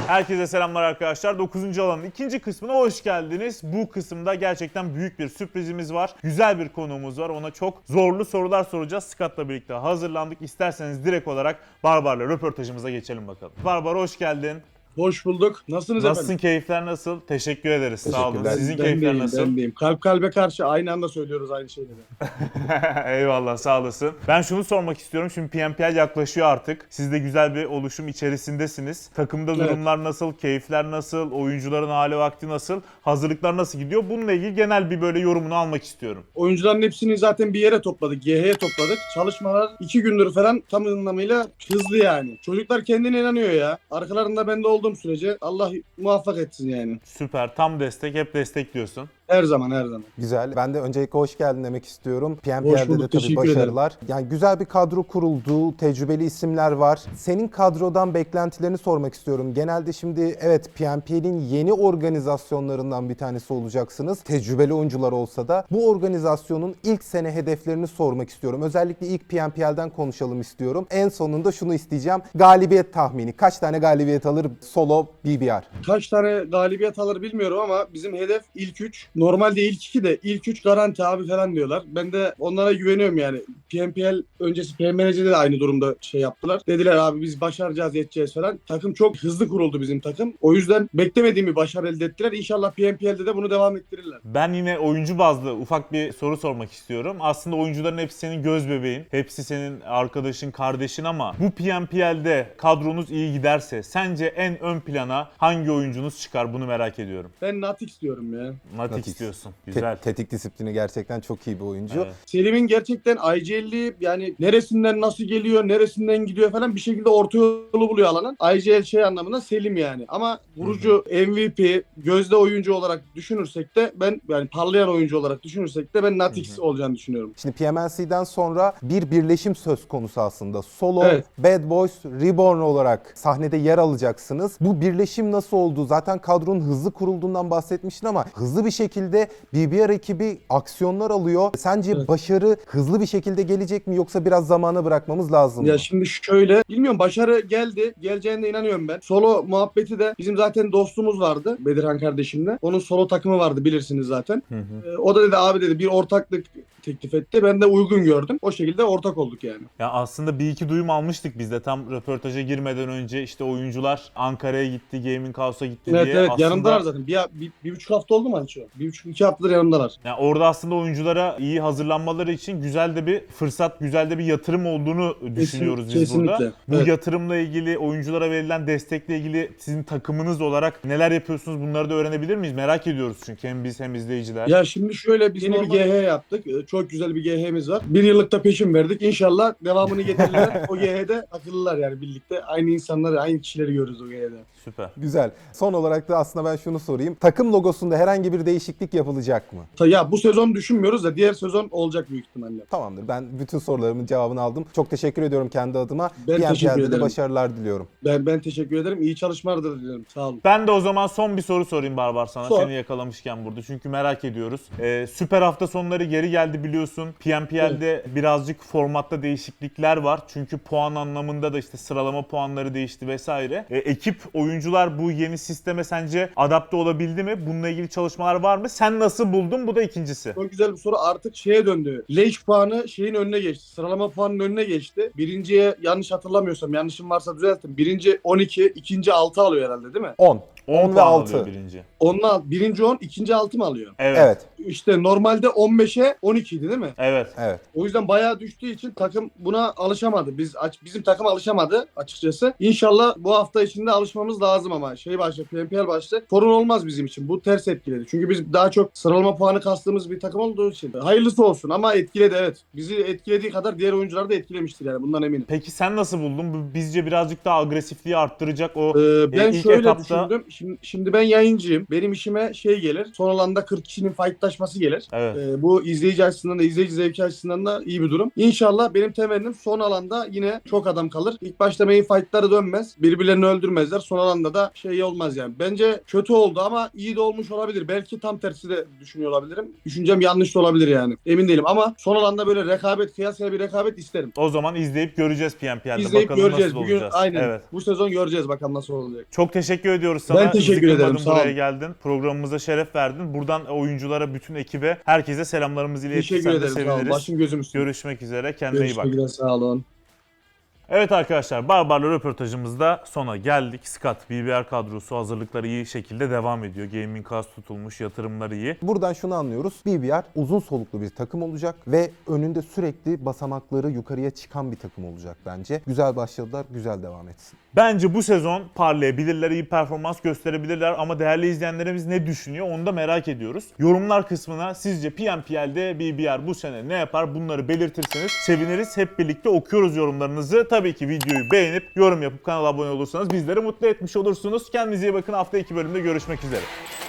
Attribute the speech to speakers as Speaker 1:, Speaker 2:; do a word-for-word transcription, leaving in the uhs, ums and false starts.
Speaker 1: Herkese selamlar arkadaşlar. dokuzuncu alanın ikinci kısmına hoş geldiniz. Bu kısımda gerçekten büyük bir sürprizimiz var. Güzel bir konuğumuz var. Ona çok zorlu sorular soracağız. Scott'la birlikte hazırlandık. İsterseniz direkt olarak Barbar'la röportajımıza geçelim bakalım. Barbar hoş geldin.
Speaker 2: Hoş bulduk. Nasılsınız
Speaker 1: Nasılsın,
Speaker 2: efendim?
Speaker 1: keyifler nasıl? Teşekkür ederiz. Sağ olun.
Speaker 3: Teşekkürler.
Speaker 1: Sizin
Speaker 2: Ben
Speaker 1: keyifler
Speaker 2: deyim,
Speaker 1: nasıl?
Speaker 2: Ben deyim. Kalp kalbe karşı aynı anda söylüyoruz aynı şeyleri.
Speaker 1: Eyvallah, sağ olasın. Ben şunu sormak istiyorum. Şimdi P M P L yaklaşıyor artık. Siz de güzel bir oluşum içerisindesiniz. Takımda
Speaker 2: Evet.
Speaker 1: durumlar nasıl? Keyifler nasıl? Oyuncuların hali vakti nasıl? Hazırlıklar nasıl gidiyor? Bununla ilgili genel bir böyle yorumunu almak istiyorum.
Speaker 2: Oyuncuların hepsini zaten bir yere topladık. G H'ye topladık. Çalışmalar iki gündür falan tam anlamıyla hızlı yani. Çocuklar kendine inanıyor ya. Arkalarında ben de olduğum sürece Allah muvaffak etsin yani.
Speaker 1: Süper. Tam destek. Hep destekliyorsun.
Speaker 2: Her zaman her zaman.
Speaker 3: Güzel. Ben de öncelikle hoş geldin demek istiyorum. P M
Speaker 2: Hoş
Speaker 3: P L'de de
Speaker 2: bulduk,
Speaker 3: tabii
Speaker 2: teşekkür
Speaker 3: başarılar. Yani güzel bir kadro kuruldu, tecrübeli isimler var. Senin kadrodan beklentilerini sormak istiyorum. Genelde şimdi evet P M P L'in yeni organizasyonlarından bir tanesi olacaksınız. Tecrübeli oyuncular olsa da bu organizasyonun ilk sene hedeflerini sormak istiyorum. Özellikle ilk P M P L'den konuşalım istiyorum. En sonunda şunu isteyeceğim. Galibiyet tahmini. Kaç tane galibiyet alır solo B B R?
Speaker 2: Kaç tane galibiyet alır bilmiyorum ama bizim hedef ilk üç. Normalde ilk iki de ilk üç garanti abi falan diyorlar. Ben de onlara güveniyorum yani. P M P L öncesi P M N C'de de aynı durumda şey yaptılar. Dediler abi biz başaracağız, yeteceğiz falan. Takım çok hızlı kuruldu bizim takım. O yüzden beklemediğim bir başarı elde ettiler. İnşallah P M P L'de de bunu devam ettirirler.
Speaker 1: Ben yine oyuncu bazlı ufak bir soru sormak istiyorum. Aslında oyuncuların hepsi senin göz bebeğin. Hepsi senin arkadaşın, kardeşin ama bu P M P L'de kadronuz iyi giderse sence en ön plana hangi oyuncunuz çıkar? Bunu merak ediyorum.
Speaker 2: Ben Natix diyorum ya.
Speaker 1: Natix
Speaker 3: Natix.
Speaker 1: diyorsun.
Speaker 3: Te-
Speaker 1: Güzel.
Speaker 3: tetik disiplini gerçekten çok iyi bir oyuncu.
Speaker 1: Evet.
Speaker 2: Selim'in gerçekten I G L'li yani neresinden nasıl geliyor, neresinden gidiyor falan bir şekilde orta yolu buluyor alanın. I G L şey anlamında Selim yani. Ama vurucu M V P, gözde oyuncu olarak düşünürsek de ben yani parlayan oyuncu olarak düşünürsek de ben Natix olacağını düşünüyorum.
Speaker 3: Şimdi P M N C'den sonra bir birleşim söz konusu aslında. Solo,
Speaker 2: Evet.
Speaker 3: Bad Boys, Reborn olarak sahnede yer alacaksınız. Bu birleşim nasıl oldu? Zaten kadronun hızlı kurulduğundan bahsetmiştin ama hızlı bir şekilde B B R ekibi aksiyonlar alıyor. Sence
Speaker 2: Evet.
Speaker 3: başarı hızlı bir şekilde gelecek mi yoksa biraz zamana bırakmamız lazım mı?
Speaker 2: Ya şimdi şöyle, bilmiyorum başarı geldi. Geleceğine inanıyorum ben. Solo muhabbeti de bizim zaten dostumuz vardı Bedirhan kardeşimle. Onun solo takımı vardı bilirsiniz zaten.
Speaker 1: Hı hı.
Speaker 2: Ee, o da dedi abi dedi bir ortaklık teklif etti. Ben de uygun gördüm. O şekilde ortak olduk yani.
Speaker 1: Ya aslında bir iki duyum almıştık biz de tam röportaja girmeden önce işte oyuncular Ankara'ya gitti, Gaming House'a gitti
Speaker 2: Evet
Speaker 1: diye.
Speaker 2: evet
Speaker 1: aslında,
Speaker 2: yanımdalar zaten. Bir, bir, bir buçuk hafta oldu mu Alço? Bir buçuk iki haftadır yanımdalar.
Speaker 1: Yani orada aslında oyunculara iyi hazırlanmaları için güzel de bir fırsat, güzel de bir yatırım olduğunu düşünüyoruz biz
Speaker 2: kesinlikle.
Speaker 1: burada. Bu
Speaker 2: Evet.
Speaker 1: yatırımla ilgili, oyunculara verilen destekle ilgili sizin takımınız olarak neler yapıyorsunuz bunları da öğrenebilir miyiz? Merak ediyoruz çünkü hem biz hem izleyiciler.
Speaker 2: Ya şimdi şöyle biz yeni
Speaker 1: normal-
Speaker 2: bir G H yaptık. Ee, Çok güzel bir G H'miz var. Bir yıllık da peşin verdik. İnşallah devamını getirirler. O G H'de akıllılar yani birlikte. Aynı insanları, aynı kişileri görürüz o G H'de.
Speaker 1: Süper.
Speaker 3: Güzel. Son olarak da aslında ben şunu sorayım. Takım logosunda herhangi bir değişiklik yapılacak mı?
Speaker 2: Ta- Ya bu sezon düşünmüyoruz da diğer sezon olacak büyük ihtimalle.
Speaker 3: Tamamdır. Ben bütün sorularımın cevabını aldım. Çok teşekkür ediyorum kendi adıma.
Speaker 2: Ben
Speaker 3: P M
Speaker 2: teşekkür
Speaker 3: P L'de de
Speaker 2: ederim.
Speaker 3: başarılar diliyorum.
Speaker 2: Ben ben teşekkür ederim. İyi çalışmalar da diliyorum. Sağ olun.
Speaker 1: Ben de o zaman son bir soru sorayım Barbar sana.
Speaker 2: Sor.
Speaker 1: Seni yakalamışken burada. Çünkü merak ediyoruz. Ee, süper hafta sonları geri geldi biliyorsun. P M P L'de birazcık formatta değişiklikler var. Çünkü puan anlamında da işte sıralama puanları değişti vesaire. Ee, ekip, oyuncular bu yeni sisteme sence adapte olabildi mi? Bununla ilgili çalışmalar var mı? Sen nasıl buldun? Bu da ikincisi.
Speaker 2: Çok güzel bir soru. Artık şeye döndü. League puanı şeyin önüne geçti. Sıralama puanının önüne geçti. Birinciye yanlış hatırlamıyorsam, yanlışım varsa düzeltin. Birinci on iki, ikinci altı alıyor herhalde değil mi?
Speaker 3: on.
Speaker 1: on
Speaker 3: on ve
Speaker 1: puan
Speaker 3: altı.
Speaker 1: alıyor birinci.
Speaker 2: Onunla birinci on, ikinci altı mı alıyor?
Speaker 1: Evet.
Speaker 3: Evet.
Speaker 2: İşte normalde on beşe on iki idi değil mi?
Speaker 1: Evet.
Speaker 3: Evet.
Speaker 2: O yüzden bayağı düştüğü için takım buna alışamadı. Biz aç- bizim takım alışamadı açıkçası. İnşallah bu hafta içinde alışmamız lazım ama şey başta P M P L başta sorun olmaz bizim için. Bu ters etkiledi. Çünkü biz daha çok sıralama puanı kastığımız bir takım olduğu için. Hayırlısı olsun ama etkiledi evet. Bizi etkilediği kadar diğer oyuncuları da etkilemiştir yani bundan eminim.
Speaker 1: Peki sen nasıl buldun? Bu bizce birazcık daha agresifliği arttıracak o
Speaker 2: Ee, ben
Speaker 1: ilk
Speaker 2: şöyle
Speaker 1: etapta-
Speaker 2: düşündüm. Şimdi, şimdi ben yayıncıyım. Benim işime şey gelir. Son alanda kırk kişinin fightlaşması gelir.
Speaker 1: Evet.
Speaker 2: Ee, bu izleyici açısından da izleyici zevki açısından da iyi bir durum. İnşallah benim temennim son alanda yine çok adam kalır. İlk başta main fightları dönmez. Birbirlerini öldürmezler. Son alanda da şey olmaz yani. Bence kötü oldu ama iyi de olmuş olabilir. Belki tam tersi de düşünüyor olabilirim. Düşüncem yanlış da olabilir yani. Emin değilim ama son alanda böyle rekabet, kıyasaya bir rekabet isterim.
Speaker 1: O zaman izleyip göreceğiz P M P L'de.
Speaker 2: İzleyip
Speaker 1: Bakalım
Speaker 2: göreceğiz.
Speaker 1: nasıl
Speaker 2: Bugün
Speaker 1: olacağız.
Speaker 2: aynen.
Speaker 1: Evet.
Speaker 2: Bu sezon göreceğiz bakalım nasıl olacak.
Speaker 1: Çok teşekkür ediyoruz sana.
Speaker 2: Ben teşekkür
Speaker 1: Bizi
Speaker 2: ederim,
Speaker 1: kırmadın,
Speaker 2: sağ ol.
Speaker 1: buraya geldin. Programımıza şeref verdin. Buradan oyunculara, bütün ekibe, herkese selamlarımızı iletirsen
Speaker 2: Teşekkür
Speaker 1: de
Speaker 2: ederim. Sağ olun.
Speaker 1: seviniriz.
Speaker 2: Başım gözüm üstüne.
Speaker 1: Görüşmek üzere. Kendine iyi bak.
Speaker 2: Görüşmek üzere. Sağ olun.
Speaker 1: Evet arkadaşlar, Barbar'la röportajımızda sona geldik. Scott, B B R kadrosu hazırlıkları iyi şekilde devam ediyor. Gaming House tutulmuş, yatırımları iyi.
Speaker 3: Buradan şunu anlıyoruz. B B R uzun soluklu bir takım olacak ve önünde sürekli basamakları yukarıya çıkan bir takım olacak bence. Güzel başladılar, güzel devam etsin.
Speaker 1: Bence bu sezon parlayabilirler, iyi performans gösterebilirler ama değerli izleyenlerimiz ne düşünüyor onu da merak ediyoruz. Yorumlar kısmına sizce P M P L'de B B R bu sene ne yapar, bunları belirtirseniz seviniriz. Hep birlikte okuyoruz yorumlarınızı. Tabii ki videoyu beğenip yorum yapıp kanala abone olursanız bizleri mutlu etmiş olursunuz. Kendinize iyi bakın. Hafta iki bölümde görüşmek üzere.